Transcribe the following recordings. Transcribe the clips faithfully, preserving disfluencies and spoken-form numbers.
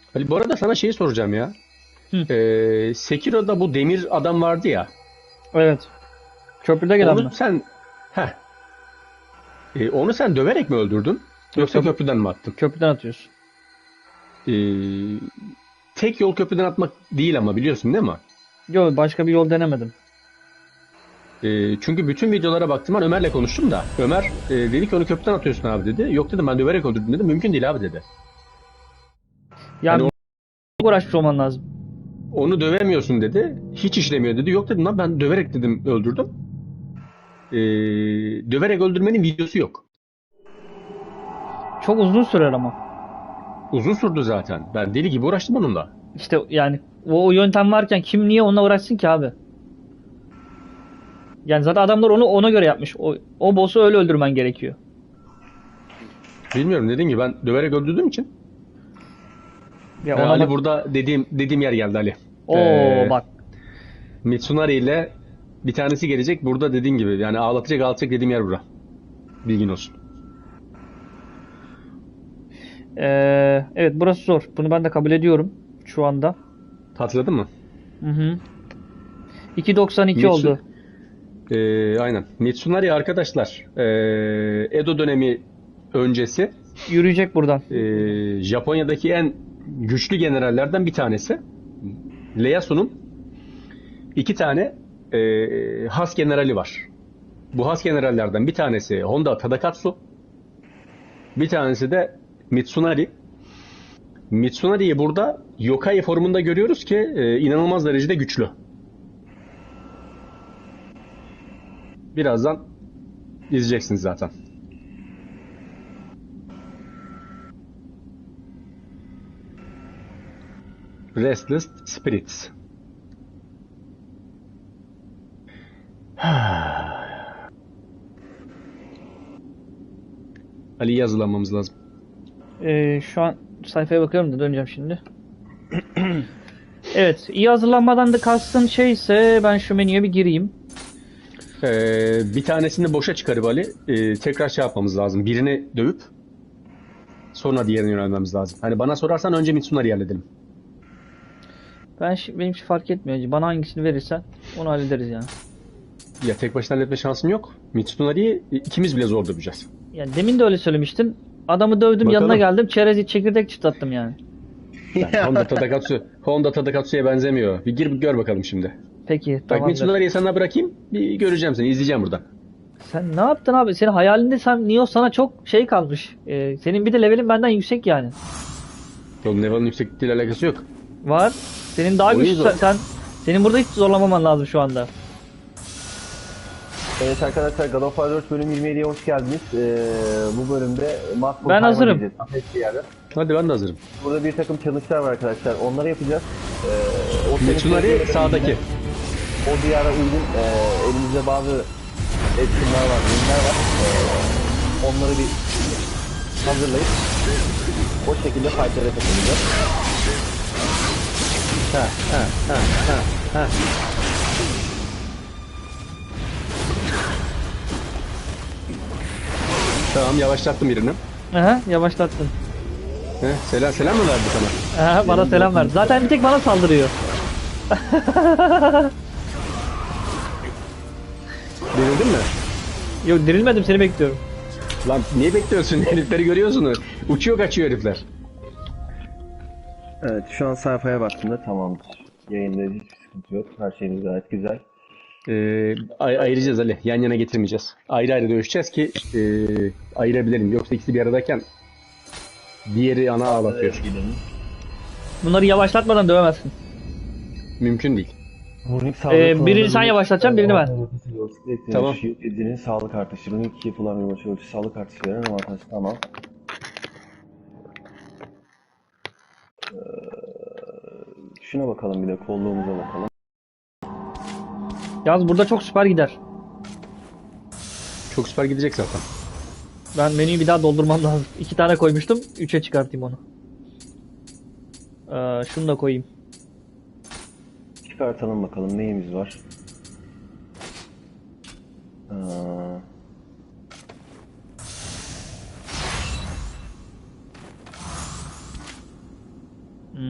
Ali, bu arada sana şeyi soracağım ya. Hı. Ee, Sekiro'da bu demir adam vardı ya. Evet. Köprüde gelen Onu mi? sen heh, e, onu sen döverek mi öldürdün? Yok, Yoksa köprü, köprüden mi attın? köprüden atıyorsun. Ee, tek yol köprüden atmak değil ama, biliyorsun değil mi? Yok, başka bir yol denemedim. Ee, çünkü bütün videolara baktım, ben Ömer'le konuştum da. Ömer e, dedi ki onu köprüden atıyorsun abi dedi. Yok dedim, ben döverek öldürdüm dedim. Mümkün değil abi dedi. Hani Ya o- uğraşmış olman lazım. onu dövemiyorsun dedi. Hiç işlemiyor dedi. Yok dedim lan, ben döverek dedim öldürdüm. Ee, döverek öldürmenin videosu yok. Çok uzun sürer ama. Uzun sürdü zaten. Ben deli gibi uğraştım onunla. İşte yani o, o yöntem varken kim niye onunla uğraşsın ki abi? Yani zaten adamlar onu ona göre yapmış. O, o boss'u öyle öldürmen gerekiyor. Bilmiyorum, dediğim gibi ben döverek öldürdüğüm için. Ya Ee, ona Ali, bak. burada dediğim dediğim yer geldi Ali. Oo Ee, bak. Mitsunari ile bir tanesi gelecek. Burada dediğim gibi yani ağlatacak ağlatacak dediğim yer bura. Bilgin olsun. Ee, evet, burası zor. Bunu ben de kabul ediyorum şu anda. Hatırladın mı? Hı hı. iki doksan iki Mitsu, oldu. Ee, aynen. Mitsunari arkadaşlar, ee, Edo dönemi öncesi Yürüyecek buradan. ee, Japonya'daki en güçlü generallerden bir tanesi. Ieyasu'nun iki tane ee, has generali var. Bu has generallerden bir tanesi Honda Tadakatsu, bir tanesi de Mitsunari. Mitsunari'yi burada yokai formunda görüyoruz ki ee, inanılmaz derecede güçlü. Birazdan izleyeceksiniz zaten. Restless Spirits. Ali'yi hazırlanmamız lazım. Ee, şu an sayfaya bakıyorum da döneceğim şimdi. Evet, iyi hazırlanmadan da kastın şeyse ben şu menüye bir gireyim. Ee, bir tanesini boşa çıkarıp Ali e, tekrar şey yapmamız lazım. Birini dövüp sonra diğerine yönelmemiz lazım. Hani bana sorarsan önce Mitsunari'yi halledelim. Ben şi- benim için fark etmiyor. Bana hangisini verirsen onu hallederiz yani. Ya tek başına halletme şansım yok. Mitsunari'yi ikimiz bile zor döveceğiz. Yani demin de öyle söylemiştin. Adamı dövdüm, yanına Bakalım. geldim, çerez çekirdek çıtlattım yani. Yani Honda Tadakatsu, Honda Tadakatsu'ya benzemiyor. Bir gir bir gör bakalım şimdi. Peki, Bak, tamamdır. Mitsunari'yi sana bırakayım. Bir göreceğim seni, izleyeceğim buradan. Sen ne yaptın abi? Senin hayalinde sen Neo sana çok şey kalmış. Ee, senin bir de levelin benden yüksek yani. Onun level'ın yüksekliğiyle alakası yok. Var. Senin daha O iyi güçlü zor. sen, sen- senin burada hiç zorlamaman lazım şu anda. Evet arkadaşlar, God of War dört bölüm yirmi yediye hoş geldiniz. Ee, bu bölümde Must Ben hazırım. Time'a gideceğiz. Bir yerde. Hadi, ben de hazırım. Burada bir takım challenge'lar var arkadaşlar. Onları yapacağız. Ee, o Mitsunari challenge'ları sağdaki. O diyara uygun e, elimizde bazı etkinler var, ürünler var. Ee, onları bir hazırlayıp o şekilde fight'lara katılacağız. Ha ha ha ha ha. Tamam, yavaşlattım birini. Aha, yavaşlattın. He, selam selam mı verdi sana? Aha, bana selam verdi. Zaten bir tek bana saldırıyor. Denildin mi? Yok, dirilmedim, seni bekliyorum. Lan niye bekliyorsun? Herifleri görüyorsun. Uçuyor kaçıyor herifler. Evet, şu an sayfaya baktığımda tamamdır. Yayında hiçbir sıkıntı yok. Her şeyimiz gayet güzel. Ee, ay- ayıracağız Ali. Yan yana getirmeyeceğiz. Ayrı ayrı dövüşeceğiz ki e, ayırabilelim. Yoksa ikisi bir aradayken diğeri ana ağlatıyor. Gidelim. Bunları yavaşlatmadan dövemezsin. Mümkün değil. Runik Ee, birini sen yavaşlatacaksın, birini ben. Tamam. Edinin sağlık artışı. Runik iki yapılan bir maçı ölçü sağlık artışı veren avantaj. Tamam. Ee, şuna bakalım, bir de kolluğumuza bakalım. Yalnız burada çok süper gider. Çok süper gidecek zaten. Ben menüyü bir daha doldurmam lazım. İki tane koymuştum. Üçe çıkartayım onu. Ee, şunu da koyayım. Çıkartalım bakalım neyimiz var. Ee, Hmm.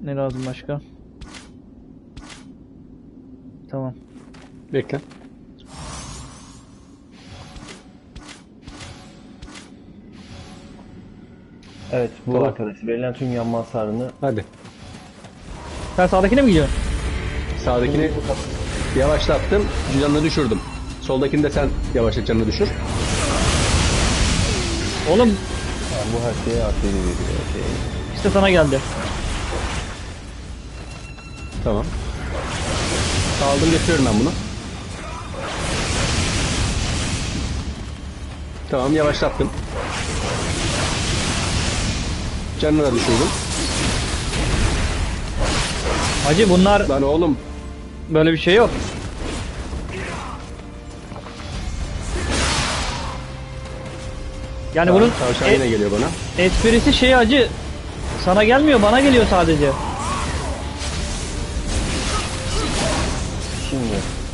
Ne lazım başka? Tamam. Bekle. Evet bu Tamam. arkadaşı verilen tüm yanma hasarını Hadi. Sen sağdakine mi gidiyorsun? Sağdakini yavaşlattım. Canını düşürdüm. Soldakini de sen yavaşlat, canını düşür. Oğlum yani bu her şeye artı veriyor. Şey. işte sana geldi. Tamam. Aldım, getiriyorum ben bunu. Tamam, yavaşlattım. Canını da düşürdüm. Hacı bunlar Lan oğlum. böyle bir şey yok. Yani bunun Tavşan e- yine geliyor bana. esprisi şey hacı. Sana gelmiyor, bana geliyor sadece. Şimdi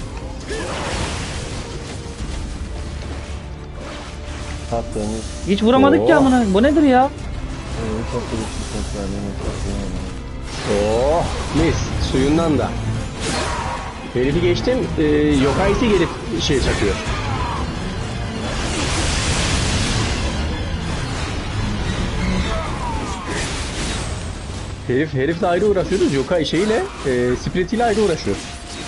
tatlığımız Hiç vuramadık ki Oo. amına. Bu nedir ya? e, çok da bir ses verdiğini Oh mis, suyundan da. Herifi geçtim, e, Yokai'si gelip şey çakıyor. Herif, herifle ayrı uğraşıyoruz, Yokai şeyiyle, e, Split ile ayrı uğraşıyoruz.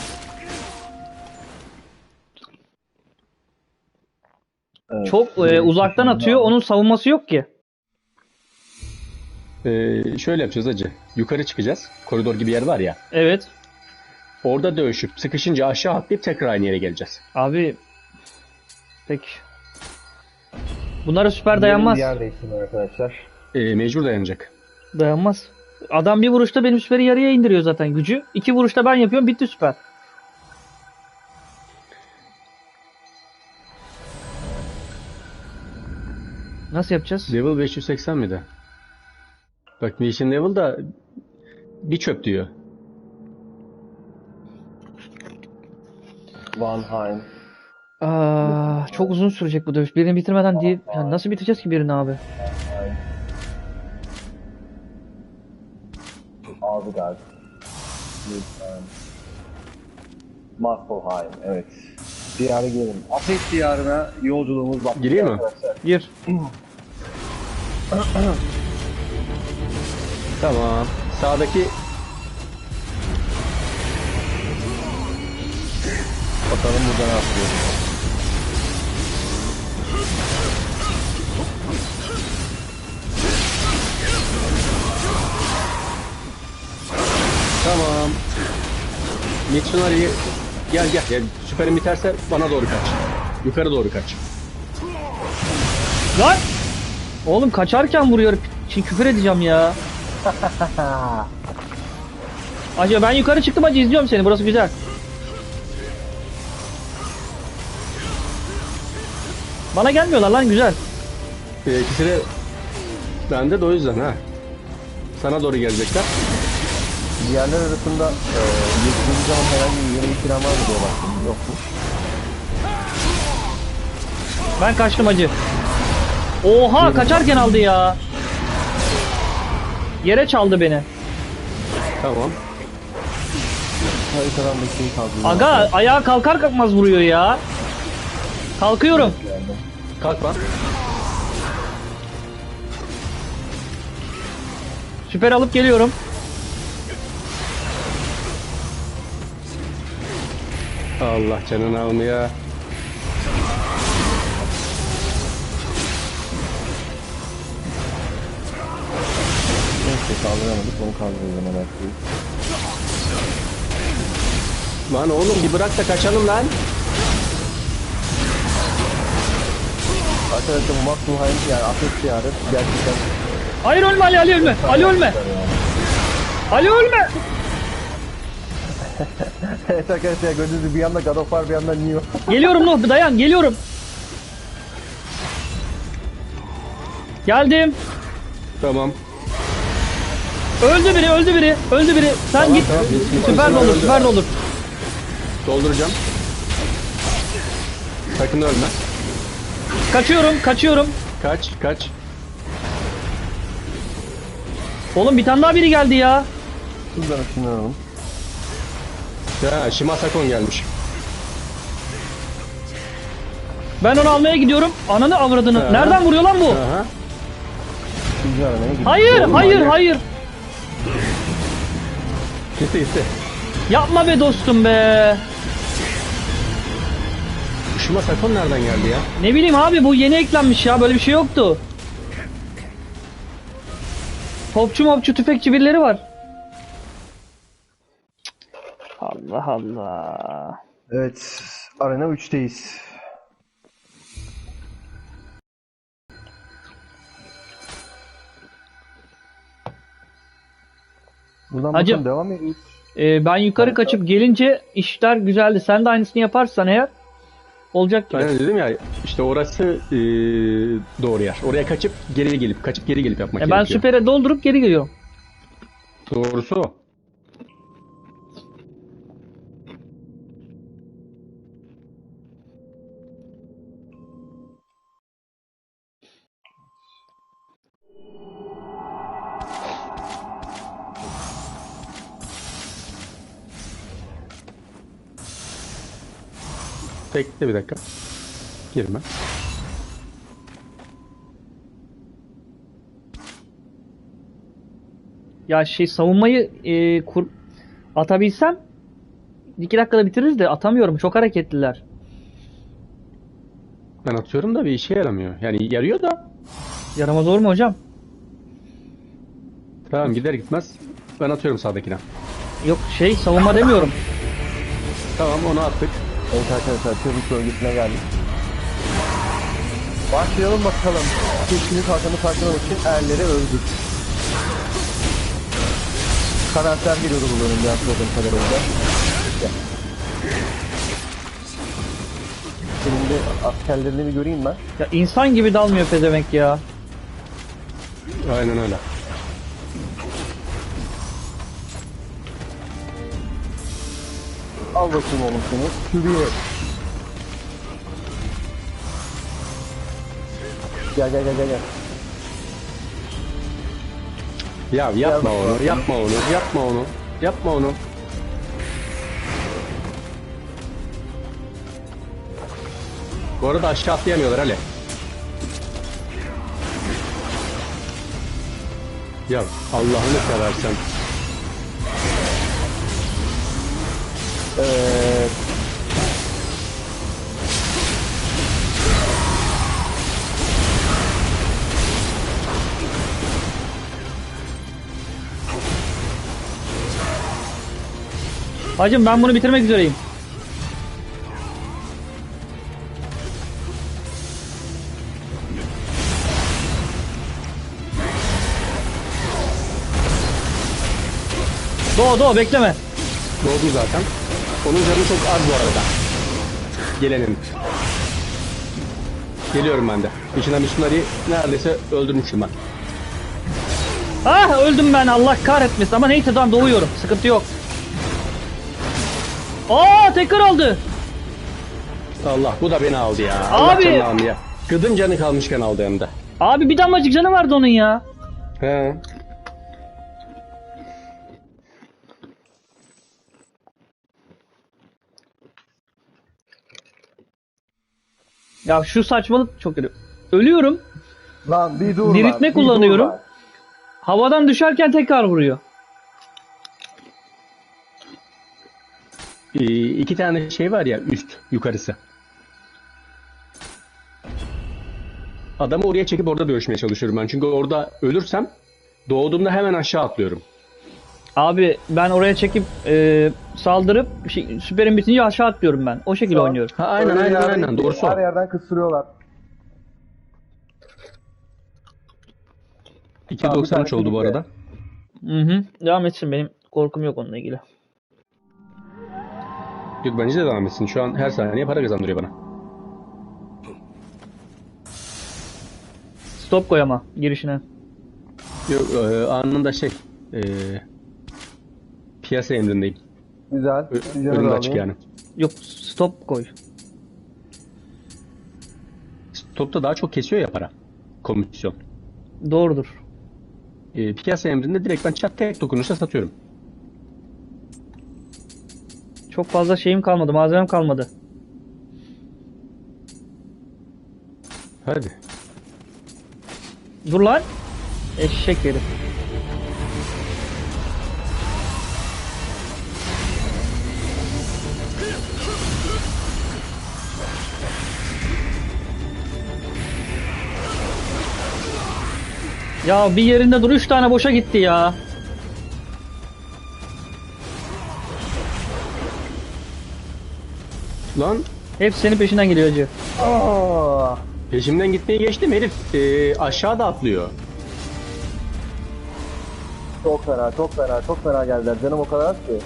Evet. Çok e, uzaktan atıyor. Onun savunması yok ki. E, şöyle yapacağız hacı, yukarı çıkacağız, koridor gibi yer var ya. Evet. Orada dövüşüp sıkışınca aşağı atlayıp tekrar aynı yere geleceğiz. Abi. Peki. Bunlara süper dayanmaz. Bir yer değiştirme arkadaşlar. E, mecbur dayanacak. Dayanmaz. Adam bir vuruşta benim süperi yarıya indiriyor zaten gücü. İki vuruşta ben yapıyorum, bitti süper. Nasıl yapacağız? Level beş yüz seksen miydi? Bak Mission Level da bir çöp diyor. Vanheim. Aa, çok uzun sürecek bu dövüş. Birini bitirmeden değil. Yani nasıl bitireceğiz ki birini abi? Asgard. Lütfen. Muspelheim. Evet. Diyara gelin. Afet diyarına yolculuğumuz başlıyor. Gireyim mi? arkadaşlar. Gir. Tamam. Sağdaki Bakalım burada ne yapıyor. tamam. Mitsunari'yi gel gel. gel. Süperin biterse bana doğru kaç. Yukarı doğru kaç. Lan! Oğlum kaçarken vuruyor. Şimdi küfür edeceğim ya. Acaba ben yukarı çıktım hacı, izliyorum seni. Burası güzel. Bana gelmiyorlar lan, güzel. Ee, ikisi de bende de o yüzden ha. Sana doğru gelecekler. Diğerler arasında e, geçtiğimiz zaman herhangi bir yeni bir plan var mı diye baktım. Yokmuş. Ben kaçtım hacı. Oha, kaçarken aldı ya. Yere çaldı beni. Tamam. Haritadan bir şey kaldı. Aga ayağa kalkar kalkmaz vuruyor ya. Kalkıyorum. Kalk lan. Süper alıp geliyorum. Allah canını almaya. Neyse kaldıramadık. Onu kaldırırız hemen artık. Lan oğlum bir bırak da kaçalım lan. Arkadaşlar bu Muspelheim yani Afet diyarı gerçekten Hayır, ölme Ali, Ali ölme. Ali ölme. Ali ölme. evet arkadaşlar gördüğünüz gibi bir yanda God of War bir yanda Neo. Geliyorum Nuh, dayan, geliyorum. Geldim. Tamam. Öldü biri, öldü biri, öldü biri. Sen Tamam, git. tamam. Süper de olur, süper de olur. Dolduracağım. Sakın ölme. Kaçıyorum, kaçıyorum. Kaç kaç. Oğlum bir tane daha biri geldi ya. Hızdan ışınlanalım. Ya Shimasakon gelmiş. Ben onu almaya gidiyorum. Ananı avradını. Ha. Nereden vuruyor lan bu? Aha. İkinci aramaya gidiyoruz. Hayır, Oğlum, hayır, manyak. hayır. Gitti gitti. Yapma be dostum be. Shimasakon nereden geldi ya? Ne bileyim abi, bu yeni eklenmiş ya. Böyle bir şey yoktu. Topçu mopçu tüfekçi birileri var. Allah Allah. Evet. Arena üçteyiz. Buradan Hacım. bakalım devam ediyoruz. Ee, ben yukarı Harika. kaçıp gelince işler güzeldi. Sen de aynısını yaparsan eğer olacak gibi. Ben dedim ya işte orası e, doğru yer. Oraya kaçıp geri gelip kaçıp geri gelip yapmak E, ben gerekiyor. süpere doldurup geri geliyorum. Doğrusu o. Bekle bir dakika. Girme. Ya şey savunmayı e, kur atabilsem iki dakikada bitiririz de atamıyorum. Çok hareketliler. Ben atıyorum da bir işe yaramıyor. Yani yarıyor da. Yaramaz olur mu hocam? Tamam gider gitmez. Ben atıyorum sağdakine. Yok şey savunma demiyorum. Tamam onu attık. Evet arkadaşlar çocuk bölgesine geldik. Başlayalım bakalım. Keçinin kalkanı parçalamak için erleri öldük. Karakter geliyordu bu bölümde hatırladığım kadarıyla. Gel. Senin de askerlerini bir göreyim ben. Ya insan gibi dalmıyor pezevenk ya. Aynen öyle. Al bakayım oğlum seni. Şuraya. Gel gel gel gel gel. Ya yapma Gel onu, bakalım. yapma onu, yapma onu, yapma onu. Bu arada aşağı atlayamıyorlar Ali. Ya Allah'ını seversen. Evet. Hacım ben bunu bitirmek üzereyim. Doğu doğu bekleme. Doğdu zaten. Onun canı çok az bu arada. Gelenin. Geliyorum ben de. İçinden Missionary neredeyse öldürmüşüm ben. Ah öldüm ben, Allah kahretmesin, ama neyse tamam doğuyorum, sıkıntı yok. Aa tekrar aldı. Allah bu da beni aldı ya. Allah Abi! canını aldı ya. Gıdım canı kalmışken aldı hem de. Abi bir damlacık canı vardı onun ya. He. Ya şu saçmalık çok kötü. Ölüyorum. Lan bir dur lan. Diriltme bir kullanıyorum. dur lan. Havadan düşerken tekrar vuruyor. Ee, iki tane şey var ya üst yukarısı. Adamı oraya çekip orada dövüşmeye çalışıyorum ben. Çünkü orada ölürsem doğduğumda hemen aşağı atlıyorum. Abi ben oraya çekip e, saldırıp şey, süperin bitince aşağı atlıyorum ben. O şekilde Sağ- oynuyorum. Ha aynen Öyle aynen yerden- aynen doğrusu o. Her yerden kıstırıyorlar. iki doksan üç oldu bu arada. Hı hı. Devam etsin, benim korkum yok onunla ilgili. Yok bence de devam etsin. Şu an her saniye para kazandırıyor bana. Stop koy ama girişine. Yok e, anında şey e, piyasa emrindeyim. Güzel. Ö- Güzel Önümde alayım. açık yani. Yok stop koy. Stopta daha çok kesiyor ya para. Komisyon. Doğrudur. E, piyasa emrinde direkt ben çat tek dokunuşla satıyorum. Çok fazla şeyim kalmadı, malzemem kalmadı. Hadi. Dur lan. Eşek herif. Ya bir yerinde dur, üç tane boşa gitti ya. Lan Hepsi senin peşinden geliyor hacı. Aa, peşimden gitmeye geçtim herif e, aşağıda atlıyor. çok fena, çok fena, çok fena geldiler. Canım o kadar az ki.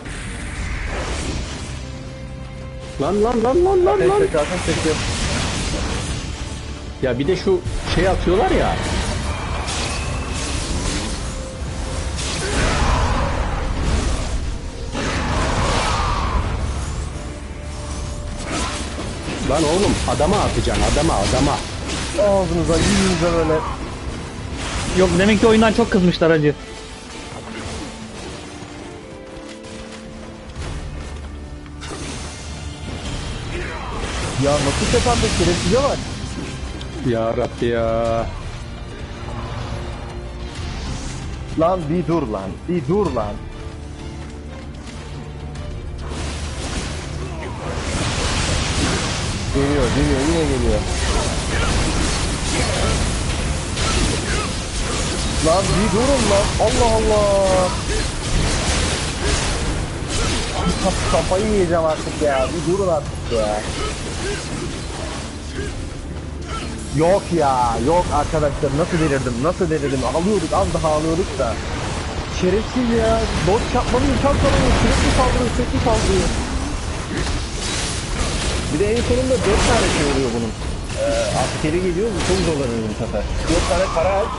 Lan lan lan lan lan Ateş lan. çekiyor, ateş çekiyor. Ya bir de şu şey atıyorlar ya. Lan oğlum adama atacaksın adama adama. Ağzınıza, yüzünüze böyle. Yok, demek ki oyundan çok kızmışlar hacı. Ya nasıl tepemde şerefsize var. Ya Rabbi ya. Lan bir dur lan, bir dur lan. Geliyor, geliyor, yine geliyor. Lan bir durun lan, Allah Allah. Kaf- Kafayı yiyeceğim artık ya, bir durun artık ya. Yok ya, yok arkadaşlar, nasıl delirdim, nasıl delirdim. Ağlıyorduk, az daha ağlıyorduk da. Şerefsiz ya, dodge yapmanın imkan tanımıyor, sürekli saldırıyor, sürekli saldırıyor. Bir de en sonunda dört tane şey oluyor bunun. Ee, askeri geliyor, bu çok zorlanıyor bu sefer. dört tane kara el.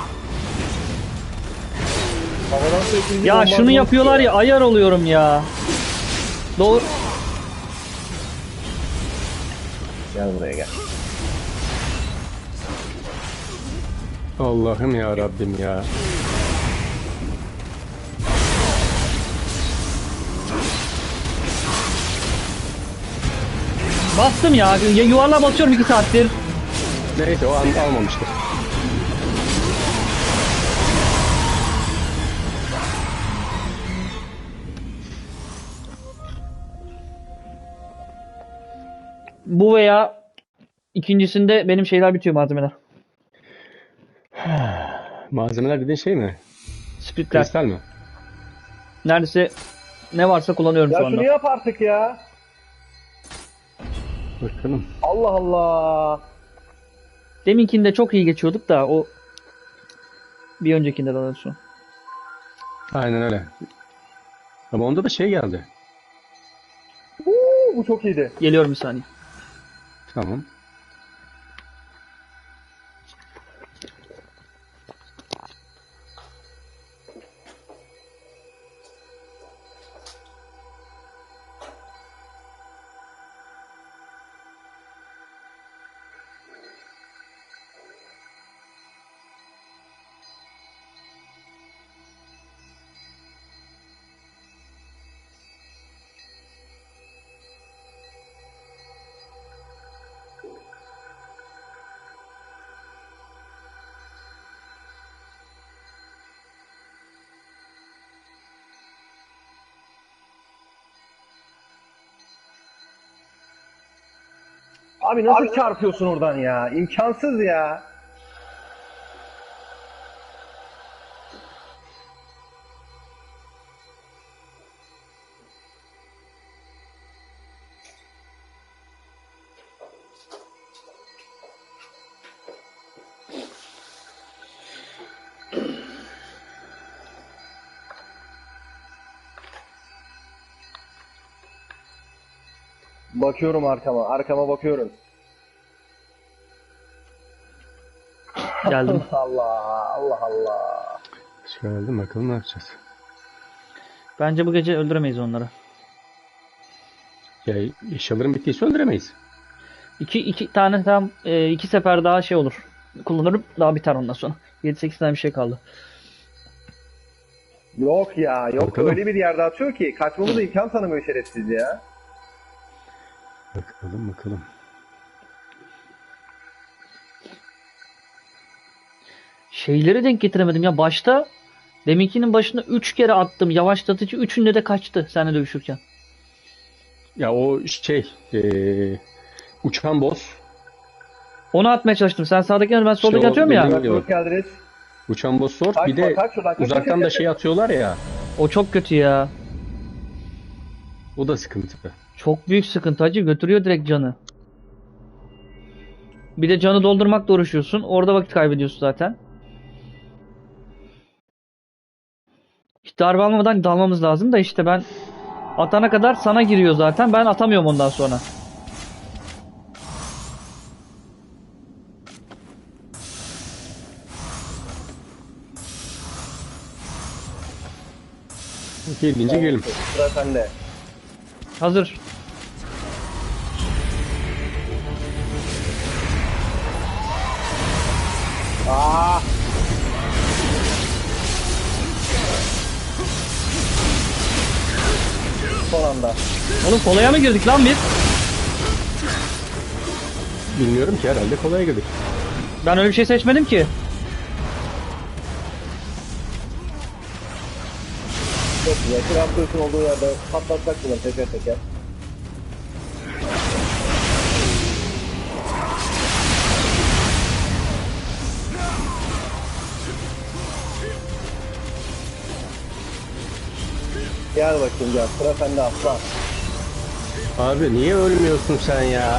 Havadan sürekli bir Ya bombardıman şunu yapıyorlar ya, çıkıyor. ayar oluyorum ya. Doğru. Gel buraya gel. Allah'ım ya Rabbim ya. Bastım ya. Ya yuvarlığa basıyorum iki saattir. Neyse o an almamıştır. Bu veya ikincisinde benim şeyler bitiyor, malzemeler. Malzemeler dediğin şey mi? Splitler. Kristal mi? Neredeyse ne varsa kullanıyorum Ya şu anda. şunu yap artık ya. Bakalım. Allah Allah. Deminkinde çok iyi geçiyorduk da o bir öncekinde daha doğrusu. Aynen öyle. Ama onda da şey geldi. Uuu, bu çok iyiydi. Geliyorum bir saniye. Tamam. Abi nasıl çarpıyorsun oradan ya? İmkansız ya. Bakıyorum arkama, arkama bakıyorum. Geldim. Allah, Allah Allah. Şöyle bakalım ne yapacağız. Bence bu gece öldüremeyiz onları. Ya eşyaların bittiyse öldüremeyiz. İki, iki tane tam e, iki sefer daha şey olur. Kullanırım, daha biter ondan sonra. yedi sekiz tane bir şey kaldı. Yok ya, yok Bakalım. öyle bir yerde atıyor ki kaçmamıza imkan tanımıyor şerefsiz ya. Bakalım bakalım. Şeyleri denk getiremedim ya. Başta deminkinin başında üç kere attım. Yavaşlatıcı üçünde de kaçtı seninle dövüşürken. Ya o şey eee, uçan boss. Onu atmaya çalıştım. Sen sağdakini ben soldaki İşte o atıyorum ya. benim- Bak, hoş geldiniz. Uçan boss zor. Kaçma, Bir de kaç şuradan, kaç, uzaktan kaç, da kaç. şey atıyorlar ya. O çok kötü ya. O da sıkıntı. Çok büyük sıkıntı hacı. Götürüyor direkt canı. Bir de canı doldurmakla uğraşıyorsun. Orada vakit kaybediyorsun zaten. Hiç darbe almadan dalmamız lazım da işte ben atana kadar sana giriyor zaten. Ben atamıyorum ondan sonra. Gelince gelin. Sıra sende. Hazır. Aa! Son anda. Oğlum kolaya mı girdik lan biz? Bilmiyorum ki, herhalde kolay girdik. Ben öyle bir şey seçmedim ki. Çok güzel. Kral Kılıç'ın olduğu yerde patlatacak bunları teker teker. Gel bakayım gel. Sıra sende aslan. Abi niye ölmüyorsun sen ya?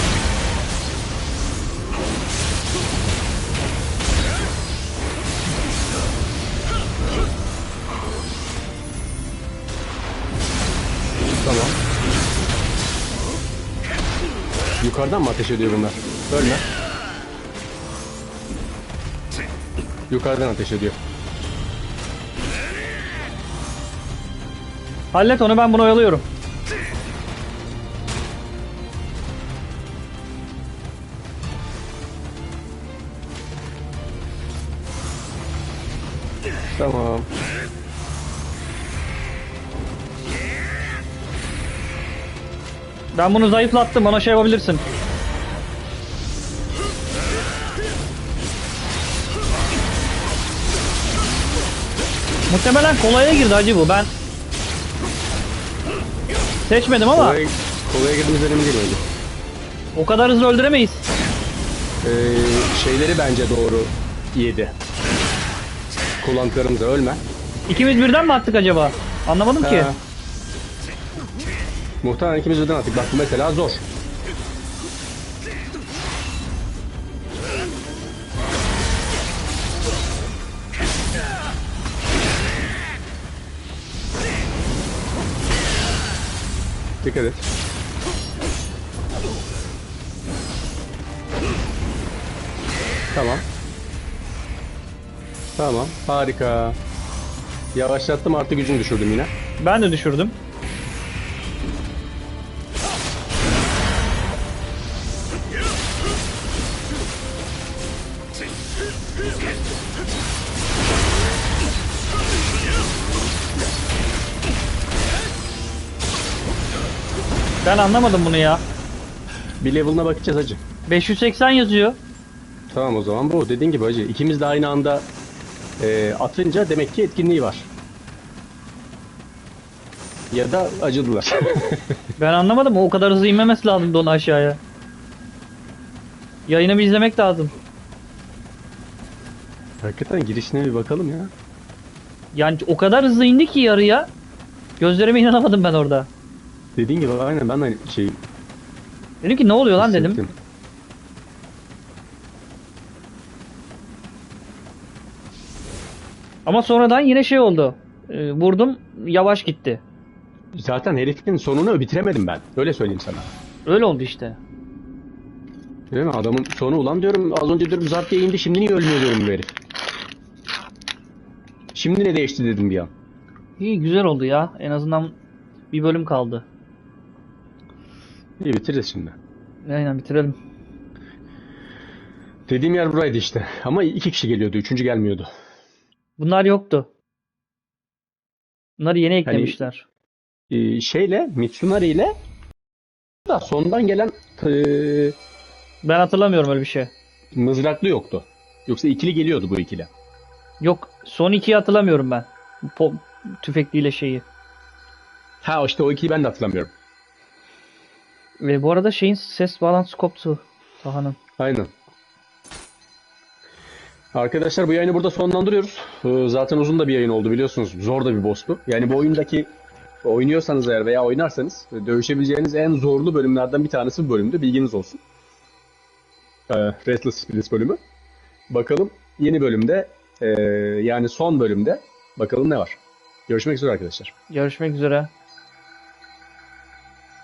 Tamam. Yukarıdan mı ateş ediyor bunlar? Ölme. Yukarıdan ateş ediyor. Hallet onu, ben bunu oyalıyorum. Tamam. Ben bunu zayıflattım, ona şey yapabilirsin. Muhtemelen kolaya girdi hacı bu. Ben seçmedim ama Kolaya, kolaya girdiğimiz önemli değil öyle. o kadar hızlı öldüremeyiz. Ee, şeyleri bence doğru yedi. Kullandıklarımıza ölme. İkimiz birden mi attık acaba? Anlamadım ki. Ha. Muhtemelen ikimiz birden attık. Bak bu mesela zor. Dikkat et. Tamam. Tamam. Harika. Yavaşlattım, artı gücünü düşürdüm yine. Ben de düşürdüm. Ben anlamadım bunu ya. Bir level'ına bakacağız hacı. beş yüz seksen yazıyor. Tamam, o zaman bu. Dediğin gibi hacı. İkimiz de aynı anda e, atınca demek ki etkinliği var. Ya da acıdılar. Ben anlamadım. O kadar hızlı inmemesi lazımdı onu aşağıya. Yayını bir izlemek lazım. Hakikaten girişine bir bakalım ya. Yani o kadar hızlı indi ki yarıya. Gözlerime inanamadım ben orada. Dediğin gibi aynen, ben de aynı şeyi Dedim ki ne oluyor lan dedim. hissettim. Ama sonradan yine şey oldu. Ee, vurdum, yavaş gitti. Zaten herifin sonunu bitiremedim ben. Öyle söyleyeyim sana. Öyle oldu işte. Değil mi? Adamın sonu, ulan diyorum, az önce diyorum zart diye indi, şimdi niye ölmüyor diyorum bu herif. Şimdi ne değişti dedim bir an. İyi, güzel oldu ya. En azından bir bölüm kaldı. İyi, bitiririz şimdi. Aynen, bitirelim. Dediğim yer buraydı işte. Ama iki kişi geliyordu. Üçüncü gelmiyordu. Bunlar yoktu. Bunları yeni eklemişler. Ee, şeyle, Mitsunari ile da sondan gelen eee, Ben hatırlamıyorum öyle bir şey. mızraklı yoktu. Yoksa ikili geliyordu bu ikili. Yok, son ikiyi hatırlamıyorum ben. Po tüfekliyle şeyi. Ha işte o ikiliyi ben de hatırlamıyorum. Ve bu arada şeyin ses bağlantısı koptu. Taha'nın. Aynen. Arkadaşlar bu yayını burada sonlandırıyoruz. Ee, Zaten uzun da bir yayın oldu biliyorsunuz. Zor da bir boss'tu. Yani bu oyundaki oynuyorsanız eğer veya oynarsanız dövüşebileceğiniz en zorlu bölümlerden bir tanesi bu bölümdü. Bilginiz olsun. Ee, Restless Spirits bölümü. Bakalım yeni bölümde e, yani son bölümde bakalım ne var. Görüşmek üzere arkadaşlar. Görüşmek üzere.